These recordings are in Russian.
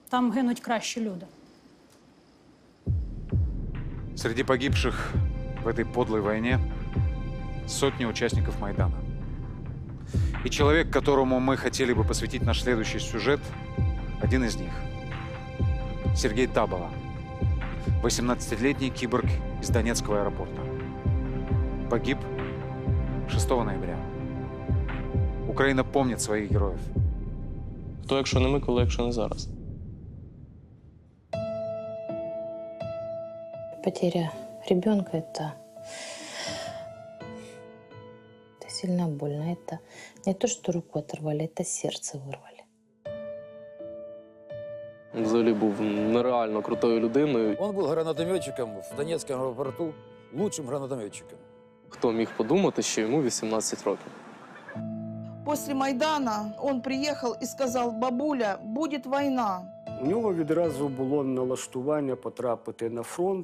Там гинуть кращі люди. Среди погибших в этой подлой войне сотни участников Майдана. И человек, которому мы хотели бы посвятить наш следующий сюжет, один из них. Сергей Табова, 18-летний киборг из Донецкого аэропорта. Погиб 6 ноября. Украина помнит своих героев. Хто, якщо не ми, коли, якщо не зараз? Потеря ребенка это сильно больно. Это не то, что руку оторвали, это сердце вырвали. Взагалі був нереально крутою людиною. Он был гранатометчиком в Донецком аэропорту, лучшим гранатометчиком. Хто міг подумати, що йому 18 років? После Майдана он приехал и сказал: бабуля, будет война. У нього відразу було налаштування потрапити на фронт.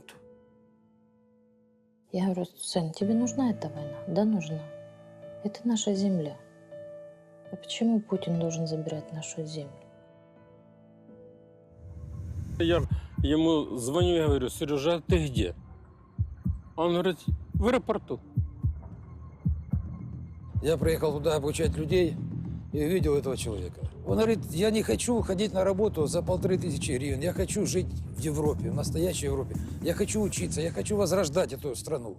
Я говорю: сын, тебе нужна эта война? Да, нужна. Это наша земля. А почему Путин должен забирать нашу землю? Я ему звоню, я говорю: Сережа, ты где? Он говорит: в аэропорту. Я приехал туда обучать людей и увидел этого человека. Он говорит: я не хочу ходить на работу за 1500 гривен, я хочу жить в Европе, в настоящей Европе. Я хочу учиться, я хочу возрождать эту страну.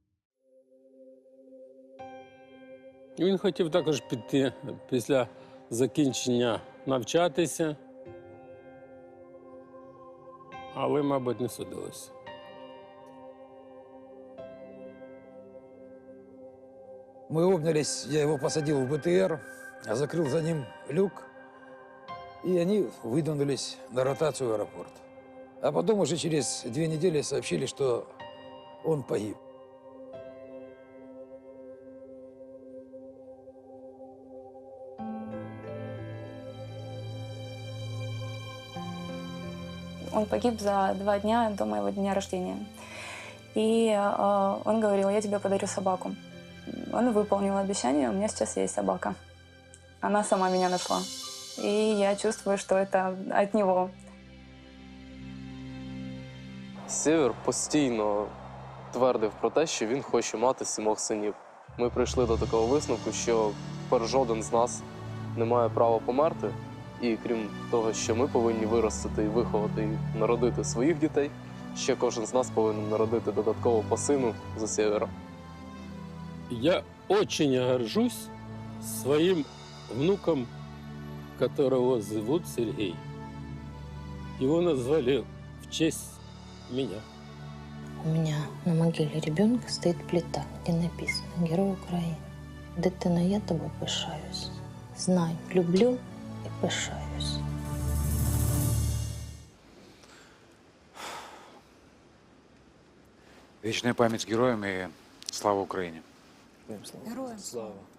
Він хотів також піти після закінчення навчатися, але, мабуть, не судилося. Мы обнялись, я его посадил в БТР, закрыл за ним люк, и они выдвинулись на ротацию в аэропорт. А потом уже через 2 недели сообщили, что он погиб. Он погиб за 2 дня до моего дня рождения. И он говорил: я тебе подарю собаку. Он выполнил обещание, у меня сейчас есть собака. Она сама меня нашла. И я чувствую, что это от него. Сєвєр постійно твердив про те, що він хоче мати 7 синів. Ми прийшли до такого висновку, що жоден з нас не має права померти. І крім того, що ми повинні виростити і виховати і народити своїх дітей, ще кожен з нас повинен народити додатково по сину за Сєвєра. Я очень горжусь своим внуком, которого зовут Сергей. Его назвали в честь меня. У меня на могиле ребенка стоит плита, где написано: Герой Украины. Дитина, я тобой пишаюсь. Знай, люблю и пишаюсь. Вечная память героям и слава Украине. Героям слава.